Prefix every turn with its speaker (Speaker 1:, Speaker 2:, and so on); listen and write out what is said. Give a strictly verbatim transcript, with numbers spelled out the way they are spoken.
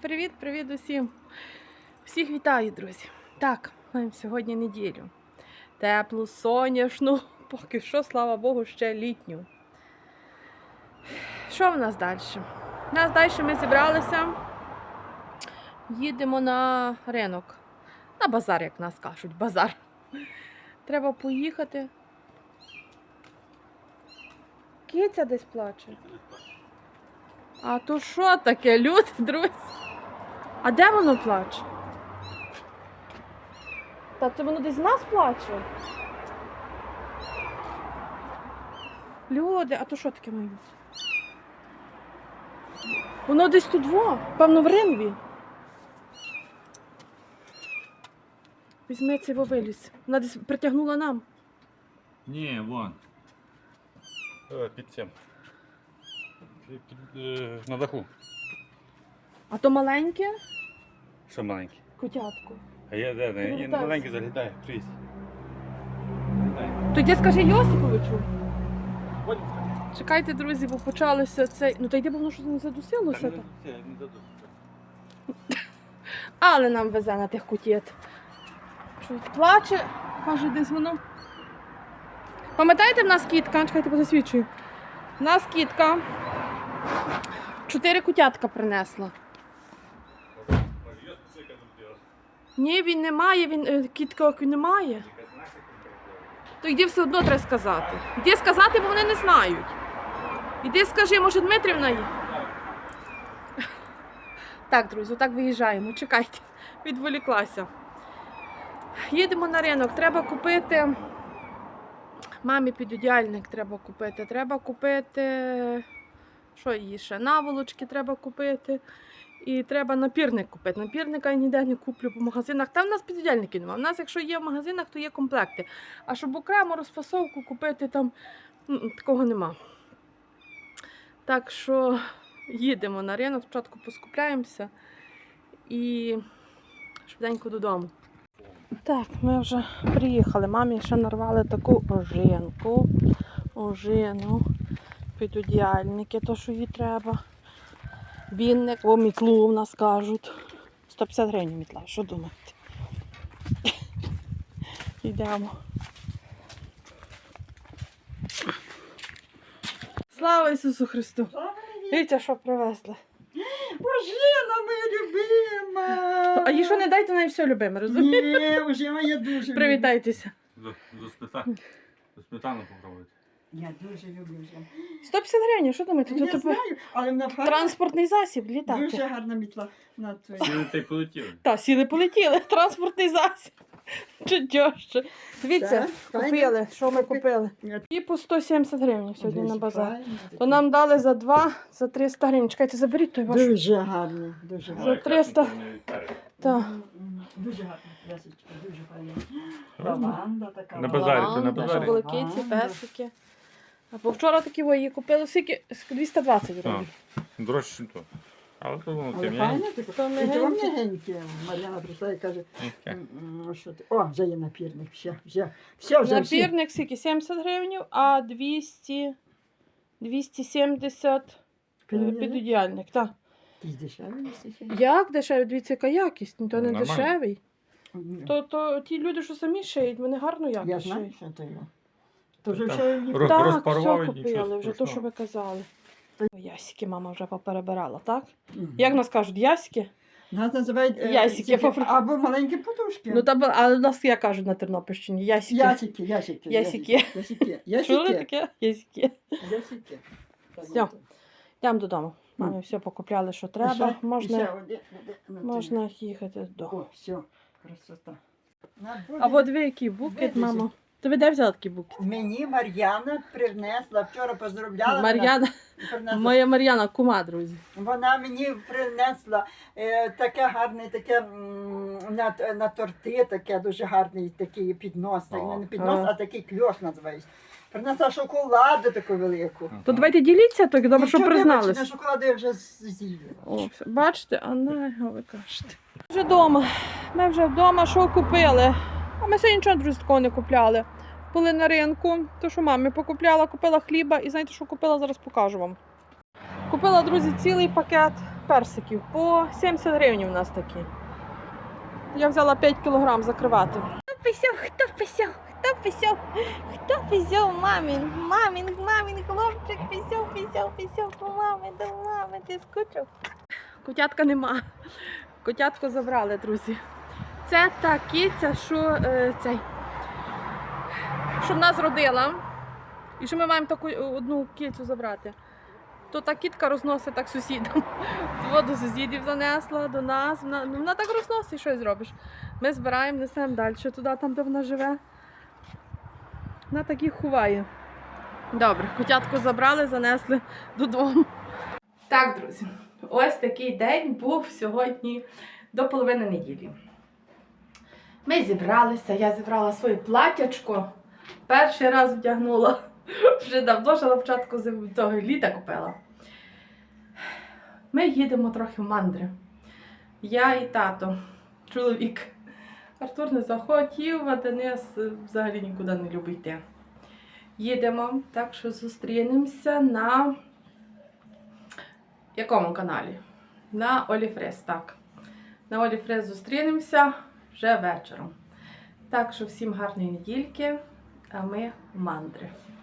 Speaker 1: Привіт, привіт усім. Всіх вітаю, друзі. Так, маємо сьогодні неділю. Теплу, сонячну, поки що, слава Богу, ще літню. Що в нас далі? У нас далі ми зібралися, їдемо на ринок. На базар, як нас кажуть, базар. Треба поїхати. Киця десь плаче. А то що таке, люди, друзі? А де воно плаче? Та це воно десь з нас плаче? Люди, а то що таке має бути? Воно десь тут во, певно в ринві. Візьми цей вовилюсь. Вона десь притягнула нам.
Speaker 2: Ні, вон. О, під цим. Під, під, е, на даху.
Speaker 1: А то маленьке?
Speaker 2: Що маленький?
Speaker 1: Котятко.
Speaker 2: А я де? Не, я на маленький залітаю. Трісь.
Speaker 1: Тоді скажи Йосиповичу.
Speaker 2: Ось.
Speaker 1: Чекайте, друзі, бо почалося цей... Ну та йде, бо воно щось не задусилося.
Speaker 2: Не,
Speaker 1: Та.
Speaker 2: не, не задушиться.
Speaker 1: Але нам везе на тих котєт. Щось плаче, каже, десь воно. Пам'ятаєте, в нас кітка? Чекайте, позасвідчую. В нас кітка чотири котятка принесла. Ні, він не має, він, е, кітка немає. То йди все одно треба сказати. Йди сказати, бо вони не знають. Іди скажи, може Дмитрівна є? Так, друзі, отак виїжджаємо. Чекайте, відволіклася. Їдемо на ринок. Треба купити... Мамі підодіальник треба купити. Треба купити... Що її ще? Наволочки треба купити. І треба напірник купити. Напірника я ніде не куплю по магазинах. Там в нас підодіальників немає. У нас, якщо є в магазинах, то є комплекти. А щоб окремо розфасовку купити, там такого нема. Так що їдемо на ринок, спочатку поскупляємося і швиденько додому. Так, ми вже приїхали. Мамі ще нарвали таку ожинку. Ожину. Підодіальники, то що їй треба. Вінник, о, мітлу в нас кажуть. сто п'ятдесят гривень мітла, що думаєте? Йдемо. Слава Ісусу Христу! Дивіться, що привезли.
Speaker 3: Ожина моя любима!
Speaker 1: А їй що не дайте, вона і все любиме, розумієте?
Speaker 3: Ні, ожина я дуже люблю.
Speaker 1: Привітайтеся.
Speaker 2: За, за, сметану. За сметану попробуйте.
Speaker 3: Я дуже люблю ожину.
Speaker 1: сто п'ятдесят гривень, що думаєте?
Speaker 3: Я
Speaker 1: Тут тепер
Speaker 3: знаю, але вона гарна,
Speaker 1: транспортний засіб,
Speaker 3: дуже
Speaker 1: літати.
Speaker 3: гарна мітла. На твоїй.
Speaker 2: Сіли та й полетіли.
Speaker 1: Та, сіли полетіли, транспортний засіб. Чудьоще. Дивіться,
Speaker 3: Так,
Speaker 1: купили, що ми купили.
Speaker 3: Я-
Speaker 1: І по сто сімдесят гривень сьогодні на
Speaker 3: Дуже
Speaker 1: базар.
Speaker 3: файна
Speaker 1: То
Speaker 3: така.
Speaker 1: нам дали за два, за триста гривень. Чекайте, заберіть той ваш.
Speaker 3: Дуже гарна, дуже
Speaker 1: За
Speaker 3: гарна.
Speaker 1: триста. Так.
Speaker 3: М, м, Дуже гарна, ясочка, дуже файна. Лаванда така.
Speaker 2: На базарі, то на
Speaker 1: Лаванда,
Speaker 2: базарі.
Speaker 1: що були киці, песики. А по вчора такі ви її купили скільки? двісті двадцять гривень.
Speaker 2: Дорожче, ніж то. Але то воно
Speaker 3: Але
Speaker 2: тим
Speaker 3: файна така.
Speaker 1: То
Speaker 3: І то
Speaker 1: мягеньке.
Speaker 3: мягеньке. Мар'яна прийшла і каже,
Speaker 2: м'яке.
Speaker 3: м, м, що ти? О, вже є напірник, все, все, все вже всі.
Speaker 1: Напірник скільки? сімдесят гривень, а двісті, двісті сімдесят підодіальник. Так.
Speaker 3: Ти дешевий місце?
Speaker 1: Як дешевий? Дивіться, яка якість, то не
Speaker 2: Нормально.
Speaker 1: дешевий. То, то ті люди, що самі шиють, вони гарну
Speaker 3: Я
Speaker 1: якість
Speaker 3: знаю,
Speaker 1: шиють.
Speaker 3: що то є. То вже
Speaker 2: Так.
Speaker 3: все ні-
Speaker 2: Роз-
Speaker 1: Так,
Speaker 2: розпарував
Speaker 1: все
Speaker 2: і нічого
Speaker 1: купили, вже то, що
Speaker 2: страшного.
Speaker 1: ви казали. Ясики мама вже поперебирала, так?
Speaker 3: Мгм.
Speaker 1: Як нас кажуть, ясики?
Speaker 3: Нас називають е,
Speaker 1: Ясики,
Speaker 3: тільки-
Speaker 1: попро-
Speaker 3: або маленькі подушки.
Speaker 1: Ну, та, але нас як кажуть на Тернопільщині, ясики.
Speaker 3: Ясики, ясики.
Speaker 1: Ясики.
Speaker 3: Ясики.
Speaker 1: Чули
Speaker 3: Ясики.
Speaker 1: таке? Ясики.
Speaker 3: Ясики.
Speaker 1: Все. Йдемо додому. Мамі все покупляли, що треба.
Speaker 3: І ще- і ще
Speaker 1: Можна,
Speaker 3: один- один на той.
Speaker 1: можна їхати додому.
Speaker 3: О, все, красота. На, буде.
Speaker 1: А от ви який букет,
Speaker 3: Видите?
Speaker 1: мамо? Ти ви де взяла такий букет?
Speaker 3: Мені Мар'яна принесла, вчора поздравляла. мене,
Speaker 1: Мар'яна,
Speaker 3: принесла.
Speaker 1: моя Мар'яна, кума, друзі.
Speaker 3: Вона мені принесла е, таке гарне, таке м, на, на торти, таке дуже гарний такий піднос. Так,
Speaker 2: О.
Speaker 3: не піднос,
Speaker 1: А.
Speaker 3: а такий кльош називається. Принесла шоколаду таку велику.
Speaker 1: То давайте діліться, так добре, що
Speaker 3: Нічого,
Speaker 1: признались.
Speaker 3: вибачте, на шоколаду я вже з'їла.
Speaker 1: О, все. Бачите, а не, ви кажете. Вже вдома. Ми вже вдома, що купили? А ми сьогодні нічого, друзі, такого не купляли. Були на ринку, то що мамі покупляла, купила хліба і знаєте, що купила, зараз покажу вам. Купила, друзі, цілий пакет персиків. По сімдесят гривень у нас такі. Я взяла п'ять кілограм закривати. Хто писав, хто писав, хто писав, хто писав, мамін, мамін, мамін, хлопчик, писав, писав, писав, до мами, до мами, ти скучив? Котятка нема. Котятку забрали, друзі. Це та киця, що е, цей, що в нас родила. І що ми маємо таку одну кицю забрати. То та кітка розносить так сусідам. Воду сусідів занесла до нас. Вона, ну, вона так розносить, що й зробиш. Ми збираємо, несемо далі туди, там, де вона живе. Вона так їх ховає. Добре, котятку забрали, занесли додому. Так, друзі, ось такий день був сьогодні до половини неділі. Ми зібралися, я зібрала своє платячко. Перший раз вдягнула. Вже давно, ще на початку того літа купила. Ми їдемо трохи в мандри. Я і тато, чоловік. Артур не захотів, а Денис взагалі нікуди не любить йти. Їдемо, так що зустрінемося на якому каналі? На Оліфрес, так. На Оліфрес зустрінемося вже вечором. Так що всім гарної недільки, а ми в мандри.